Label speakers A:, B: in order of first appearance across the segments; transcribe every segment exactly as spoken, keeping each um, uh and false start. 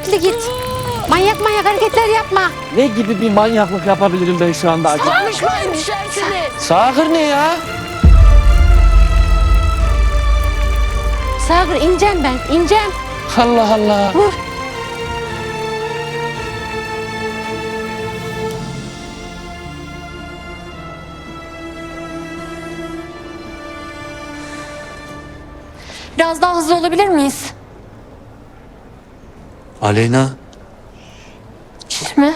A: dikkatli git. Manyak manyak hareketler yapma.
B: Ne gibi bir manyaklık yapabilirim ben şu anda acaba?
A: Konuşmayın, düşersiniz.
B: Sağır ne ya?
A: Sağır ineceğim ben, ineceğim.
B: Allah Allah.
A: Vur. Biraz daha hızlı olabilir miyiz?
B: Aleyna.
A: Hiç mi?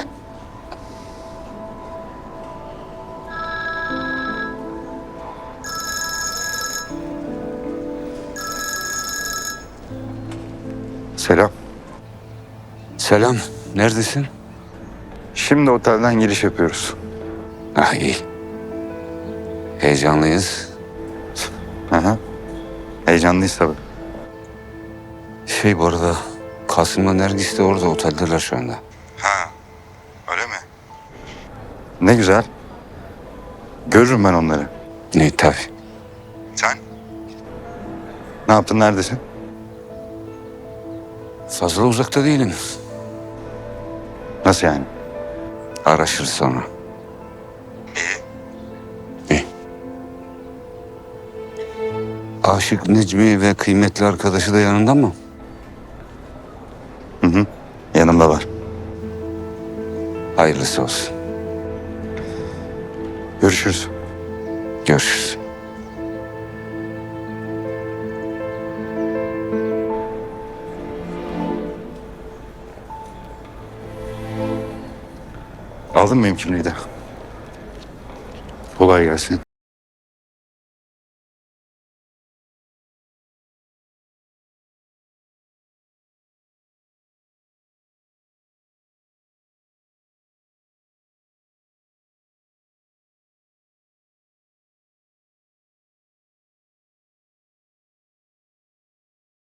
C: Selam.
D: Selam, neredesin?
C: Şimdi otelden giriş yapıyoruz.
D: Ah iyi. Heyecanlıyız.
C: Hı hı. Heyecanlıyız tabii.
D: Şey bu arada, Kasım'la Nergis de orada, oteldeler şu anda.
C: Ha, öyle mi? Ne güzel. Görürüm ben onları.
D: Ne tabii.
C: Sen? Ne yaptın, neredesin?
D: Fazla uzakta değilim.
C: Nasıl yani?
D: Araşırız sonra.
C: İyi.
D: İyi. Aşık Necmi ve kıymetli arkadaşı da yanında mı?
C: Hı hı. Yanımda var.
D: Hayırlısı olsun.
C: Görüşürüz.
D: Görüşürüz.
C: Aldın mı benim kimliği de? Kolay gelsin.